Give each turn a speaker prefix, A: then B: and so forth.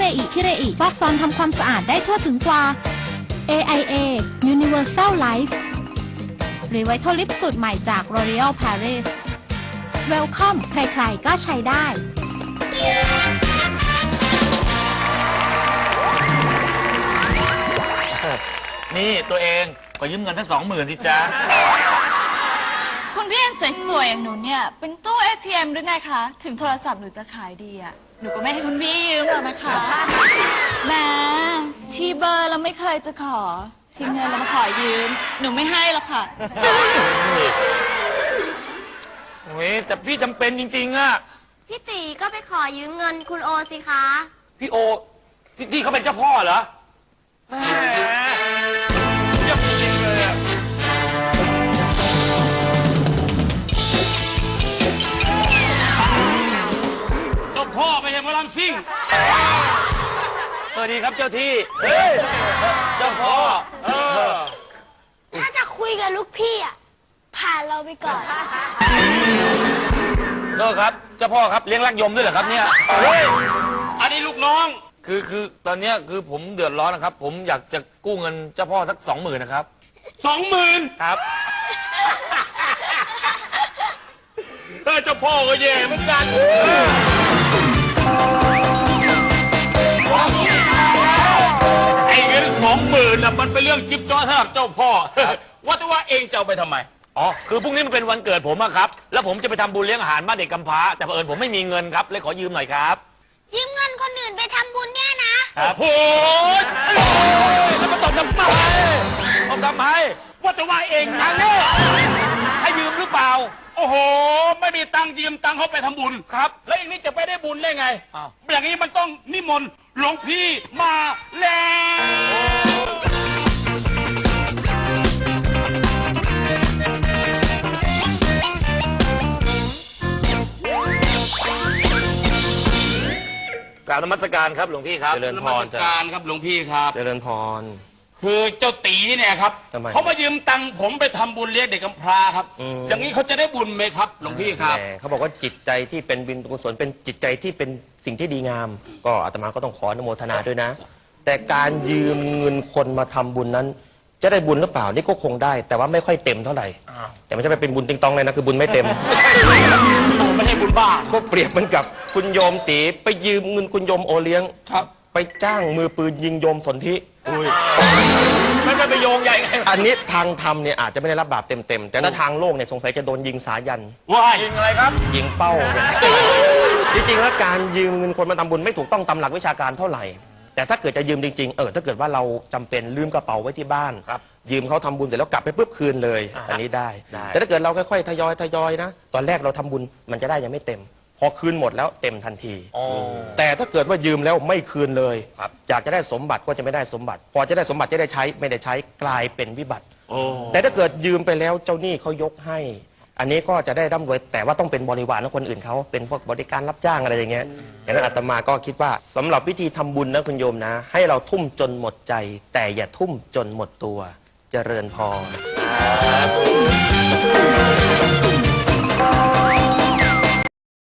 A: อิซอกซอนทำความสะอาดได้ทั่วถึงกว่า AIA Universal Life Revital Lift สูตรใหม่จาก L'Oréal Paris Welcome ใครๆก็ใช้ได้
B: นี่ตัวเองก็ยืมเงินทั้ง20,000สิจ๊ะ
C: คุณพี่สวยๆอย่างหนูเนี่ยเป็นตู้ ATM หรือไงคะถึงโทรศัพท์หนูจะขายดีอ่ะหนูก็ไม่ให้คุณพี่ยืมหรอกนะคะแหมที่เบอร์เราไม่เคยจะขอที่เงินเรามาขอยืมหนูไม่ให้หรอกค่ะ
B: โอ้ยแต่พี่จำเป็นจริงๆอะ
D: พี่ตีก็ไปขอยืมเงินคุณโอสิคะ
B: พี่โอที่เขาเป็นเจ้าพ่อเหรอแหมเยี่ยมจริงเลยอะเจ้าพ่อไม่ใช่หมอลำซิ่งสวัสดีครับเจ้าที่เจ้าพ่อ
D: ถ้าจะคุยกับลูกพี่อ่ะผ่านเราไปก่อน
B: ก็ครับเจ้าพ่อครับเลี้ยงรักยมด้วยเหรอครับเนี่ยอันนี้ลูกน้องคือตอนนี้คือผมเดือดร้อนนะครับผมอยากจะกู้เงินเจ้าพ่อสัก20,000นะครับ20,000ครับเจ้าพ่อก็แย่เหมือนกันไอ้เงิน20,000น่ะมันเป็นเรื่องจิ๊บจ้อยสำหรับเจ้าพ่อว่าแต่ว่าเองจะเอาไปทำไมอ๋อคือพรุ่งนี้มันเป็นวันเกิดผมอะครับแล้วผมจะไปทำบุญเลี้ยงอาหารบ้านเด็กกำพร้าแต่เผอิญผมไม่มีเงินครับเลยขอยืมหน่อยครับ
D: ยืมเงินคนอื่นไปทำบุญเนี่ยนะครับ
B: โอ้แล้วมาตบทำไมว่าแต่ว่าเองทางนี้ให้ยืมหรือเปล่าโอ้โหไม่มีตังค์ยืมตังค์เขาไปทำบุญครับแล้วอย่างนี้จะไปได้บุญได้ไงอย่างนี้มันต้องนิมนต์หลวงพี่มาแล้วกราบนมัสการครับหลวงพี่ครับ
E: เจริญพร
B: นมัสการครับหลวงพี่ครับ
E: เจริญพร
B: คือเจ้าตีเนี่ยครับเขามายืมตังค์ผมไปทำบุญเลี้ยงเด็กกำพร้าครับอย่างนี้เขาจะได้บุญไหมครับหลวงพี่ครับ
E: เขาบอกว่าจิตใจที่เป็นบุญกุศลเป็นจิตใจที่เป็นสิ่งที่ดีงามก็อาตมาก็ต้องขออนุโมทนาด้วยนะแต่การยืมเงินคนมาทำบุญนั้นจะได้บุญหรือเปล่านี่ก็คงได้แต่ว่าไม่ค่อยเต็มเท่าไหร่แต่ไม่ใช่ไปเป็นบุญติงตองเลยนะคือบุญไม่เต็ม
B: ไม่ใช่บุญบ้า
E: ก็เปรียบเหมือนกับคุณโยมตีไปยืมเงินคุณโยมโอเลี้ยง
B: ครับ
E: ไปจ้างมือปืนยิงโยมสนธิ
B: ไม่ได้ไปโยงใหญ่ไง
E: อันนี้ทางธรรมเนี่ยอาจจะไม่ได้รับบาปเต็มแต่ถ้าทางโลกเนี่ยสงสัยจะโดนยิงสายัน
B: ว่ายิงอะไรครับ
E: ยิงเป้าจริงๆแล้วการยืมเงินคนมาทำบุญไม่ถูกต้องตามหลักวิชาการเท่าไหร่แต่ถ้าเกิดจะยืมจริงๆถ้าเกิดว่าเราจำเป็นลืมกระเป๋าไว้ที่บ้านยืมเขาทำบุญเสร็จแล้วกลับไปปุ๊บคืนเลยอันนี้ได้แต่ถ้าเกิดเราค่อยๆทยอยนะตอนแรกเราทำบุญมันจะได้ยังไม่เต็มพอคืนหมดแล้วเต็มทันทีแต่ถ้าเกิดว่ายืมแล้วไม่คืนเลยจากจะได้สมบัติก็จะไม่ได้สมบัติพอจะได้สมบัติจะได้ใช้ไม่ได้ใช้กลายเป็นวิบัติแต่ถ้าเกิดยืมไปแล้วเจ้าหนี้เขายกให้อันนี้ก็จะได้ร่ำรวยแต่ว่าต้องเป็นบริวารของคนอื่นเขาเป็นพวกบริการรับจ้างอะไรอย่างเงี้ยอย่างนั้นอาตมาก็คิดว่าสำหรับวิธีทำบุญนะคุณโยมนะให้เราทุ่มจนหมดใจแต่อย่าทุ่มจนหมดตัวเจริญพร